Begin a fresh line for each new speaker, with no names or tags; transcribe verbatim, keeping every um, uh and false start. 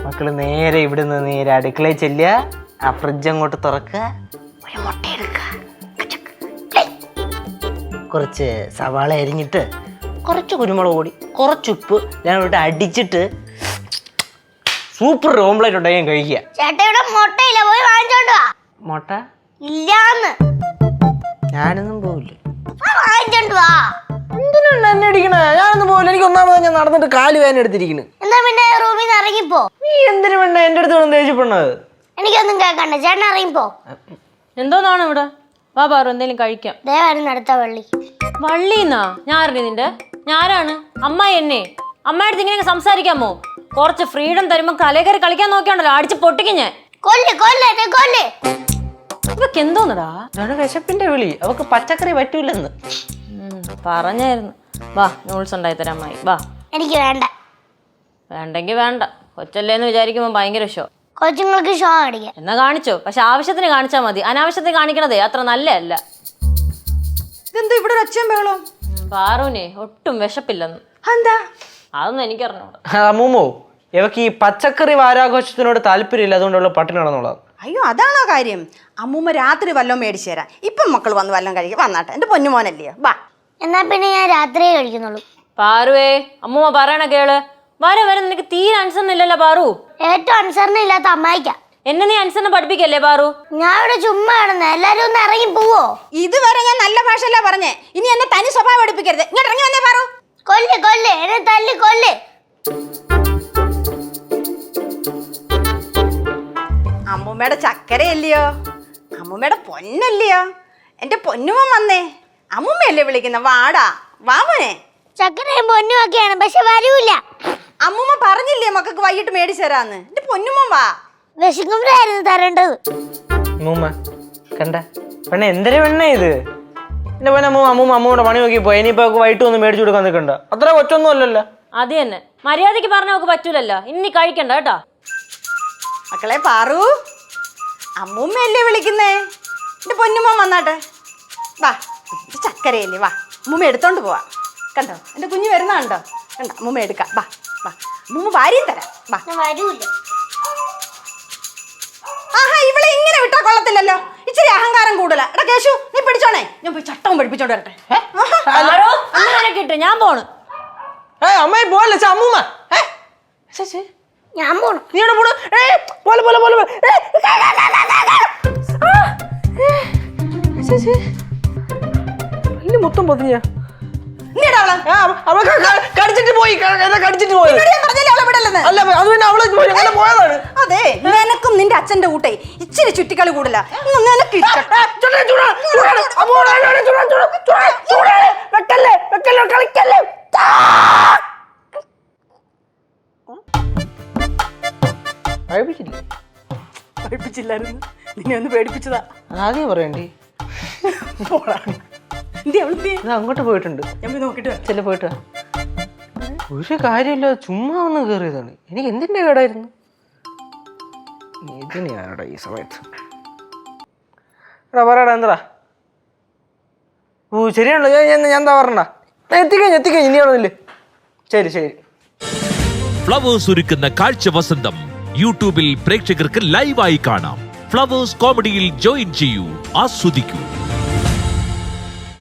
മക്കള് നേരെ ഇവിടുന്ന് നേരെ അടുക്കളയിൽ ചെല്ലുക, ആ ഫ്രിഡ്ജ് അങ്ങോട്ട് തുറക്കുക, ഒരു മുട്ട എടുക്കുക, കുറച്ച് സവാള അരിഞ്ഞിട്ട് കുറച്ച് കുരുമുളക് പൊടി കുറച്ചുപ്പ് ഞാൻ ഇവിടെ അടിച്ചിട്ട് സൂപ്പർ ഓംലെറ്റ് ഉണ്ടാക്കി കഴിക്കുക.
ചേട്ടയുടെ മുട്ടയില്ല, പോയി വാങ്ങിച്ചോണ്ട് വാ.
മുട്ട
ഇല്ലാന്ന്.
ഞാനൊന്നും പോവില്ല.
വാങ്ങിച്ചോണ്ട് വാ.
എന്തിനാണ് എന്നെ അടിക്കണേ? ഞാനൊന്നും പോവില്ല. എനിക്ക് ഒന്നാമത് ഞാൻ നടന്നിട്ട് കാല് വേദന എടുത്തിരിക്കുന്നു.
എന്നാ പിന്നെ റൂമിൽ നിന്ന് ഇറങ്ങിപ്പോ.
നീ എന്തിനു വേണ്ട എന്റെ അടുത്ത് വന്ന് ദേഷ്യപ്പെടുന്നത്?
എനിക്കൊന്നും കേൾക്കണ്ട, ചേട്ടൻ ഇറങ്ങിപ്പോ.
എന്തോന്നാണ് ഇവിടെ? വാ പാറു, എന്തെങ്കിലും കഴിക്കാം.
ദേവായിരുന്നു അടുത്ത വള്ളി.
വള്ളിന്നാ? ഞാൻ അറിഞ്ഞു നിന്റെ ഞാനാണ് അമ്മായി. എന്നെ അമ്മായിട്ട് ഇങ്ങനെ സംസാരിക്കാമോ? കുറച്ച് ഫ്രീഡം തരുമ്പോ കലകറി കളിക്കാൻ നോക്കിയാണല്ലോ, അടിച്ച് പൊട്ടിക്കും ഞാൻ.
കൊല്ല് കൊല്ല് കൊല്ല്.
ഇവക്ക് എന്തോന്നടാ?
വിശപ്പിന്റെ വിളി. അവക്ക് പച്ചക്കറി പറ്റൂലെന്ന്
പറഞ്ഞായിരുന്നു. വാ, നൂൾസ് ഉണ്ടായി തരാം അമ്മായി, വാ.
എനിക്ക് വേണ്ട.
വേണ്ടെങ്കി വേണ്ട. കൊച്ചല്ലേന്ന് വിചാരിക്കുമ്പോ ഭയങ്കര ഷോ.
കൊച്ചുങ്ങൾക്ക് ഷോ അടിക്കാം.
എന്നാ കാണിച്ചോ, പക്ഷെ ആവശ്യത്തിന് കാണിച്ചാ മതി. അനാവശ്യത്തിന് കാണിക്കണതേ അത്ര നല്ലതല്ല.
ഇതെന്താ ഇവിടെ ഒരു ഒച്ചയും ബഹളവും?
പാറുവിനെ ഒട്ടും വിശപ്പില്ലെന്ന്.
എന്താ?
അതൊന്നും എനിക്കറിഞ്ഞൂടാ.
അമ്മൂമ്മോ, ഇവക്ക് ഈ പച്ചക്കറി വാരാഘോഷത്തിനോട് താല്പര്യമില്ല, അതുകൊണ്ടുള്ള പട്ടിണി നടന്നുള്ളത്.
അയ്യോ, അതാണോ കാര്യം? അമ്മൂമ്മ രാത്രി വല്ലതും മേടിച്ചു തരാം. ഇപ്പം മക്കൾ വന്ന് വല്ലതും കഴിക്കുക. വന്നാട്ടെ, എന്റെ പൊന്നുമോനല്ലയോ. വാ.
എന്നാ പിന്നെ ഞാൻ രാത്രിയേ കഴിക്കുന്നുള്ളൂ.
പാറുവേ, അമ്മൂമ്മ പറയണ കേള്. വരെ വരെ നിനക്ക് തീരെ അനുസരണം ഇല്ലല്ലോ പാറു.
ഏറ്റവും അനുസരണം ഇല്ലാത്ത അമ്മായിക്ക.
എന്നെ നീ അനുസരണം പഠിപ്പിക്കല്ലേ പാറു?
ഞാൻ ഇവിടെ ചുമ്മാ കിടന്ന, എല്ലാരും ഒന്ന് ഇറങ്ങി പോവോ?
ഇതുവരെ ഞാൻ നല്ല ഭാഷയല്ല പറഞ്ഞേ. ഇനി എന്നെ തനി സ്വഭാവം പഠിപ്പിക്കരുത്. ഇങ്ങോട്ട് ഇറങ്ങി വന്നേ പാറു.
കൊല്ല് കൊല്ല്, എന്നെ തല്ലി കൊല്ല്.
അമ്മൂമ്മയുടെ ചക്കരയല്ലയോ, അമ്മൂമ്മയുടെ പൊന്നല്ലയോ. എന്റെ പൊന്നുമോൻ വന്നേ. അമ്മൂമ്മയല്ലേ വിളിക്കുന്ന? വാടാ, വാ മോനെ.
ചക്കരയും പൊന്നും ഒക്കെയാണ്, പക്ഷെ വരൂല.
അമ്മൂമ്മ പറഞ്ഞില്ലേ മക്കൾക്ക് വൈകിട്ട് മേടിച്ചു തരാന്ന്. എന്റെ പൊന്നുമോൻ വാ.
വിശക്കുമ്പോഴായിരുന്നു തരേണ്ടത്.
അമ്മൂമ്മ കണ്ട പെണ്ണ, എന്തൊരു പെണ്ണ ഇത്? എന്റെ പൊന്നെ അമ്മൂമ്മ, അമ്മൂമ്മ അമ്മൂടെ പണി നോക്കി പോയി. ഇനിയിപ്പോ വൈകിട്ട് ഒന്ന് മേടിച്ചു കൊടുക്കാൻ നിൽക്കണ്ട. അത്ര കൊച്ചൊന്നും അല്ലല്ലോ.
അത് തന്നെ, മര്യാദക്ക് പറഞ്ഞ നമുക്ക് പറ്റൂലല്ലോ. ഇനി കഴിക്കണ്ട കേട്ടോ.
മക്കളെ പാറു, അമ്മൂമ്മയല്ലേ വിളിക്കുന്നേ. എന്റെ പൊന്നുമോൻ വന്നാട്ടെ. വാ, ഇത് ചക്കരയല്ലേ. വാ, അമ്മൂമ്മ എടുത്തോണ്ട് പോവാ. കണ്ടോ എന്റെ കുഞ്ഞ് വരുന്ന കണ്ടോ? കണ്ടോ, അമ്മൂമ്മ എടുക്കാം. വാ വാ, അമ്മൂമ്മ ഭാര്യയും തരാം. വാ.
വരൂല.
ആഹാ, ഇവളെ ഇങ്ങനെ വിട്ടാ കൊള്ളത്തില്ലല്ലോ. ഇച്ചിരി അഹങ്കാരം കൂടുതലാ. എടാ കേശു, നീ പിടിച്ചോണേ. ഞാൻ പോയി ചട്ടവും പഠിപ്പിച്ചോണ്ട് വരട്ടെ.
കിട്ടും, ഞാൻ പോണ്.
അമ്മായി പോലെ അമ്മൂമ്മ,
ഞാൻ പോണു.
നീടെ പോണ്. പോലെ പോലെ പോലെ മൊത്തം പൊതിഞ്ഞ കടിച്ചിട്ട് പോയി. കടിച്ചിട്ട് പോയി. അല്ല, അത് പിന്നെ അവള് പോയതാണ്.
അതെ, നിനക്കും നിന്റെ അച്ഛന്റെ കൂട്ടേ ഇച്ചിരി ചുറ്റിക്കളി കൂടില്ല. നിനക്ക് പഠിപ്പിച്ചില്ലായിരുന്നു. നിന്നെ ഒന്ന് പേടിപ്പിച്ചതാ.
ആദ്യം പറയണ്ടേ? അങ്ങോട്ട് പോയിട്ടുണ്ട്.
ഞാൻ പോയി നോക്കിട്ട്
ചെല്ല പോയിട്ട് ഒരു കാര്യമില്ല, ചുമ്മാ ഒന്ന് കയറിയതാണ്. എനിക്ക് എന്തിന്റെ കേടായിരുന്നു? ഇതിനെയാടാ ഈ സമയത്ത്. എടാ പറയടാ, എന്താ? ഓ ശരിയാണല്ലോ. ഞാൻ ഞാൻ എന്താ പറഞ്ഞ? എത്തിക്കഴിഞ്ഞ് എത്തിക്കഴിഞ്ഞ് ഇനിയാണോന്നില്ലേ? ശരി ശരി.
ഫ്ലവേഴ്സ് ഒരുക്കുന്ന കാഴ്ച വസന്തം യൂട്യൂബിൽ പ്രേക്ഷകർക്ക് ലൈവായി കാണാം. ഫ്ലവേഴ്സ് കോമഡിയിൽ ജോയിൻ ചെയ്യൂ, ആസ്വദിക്കൂ.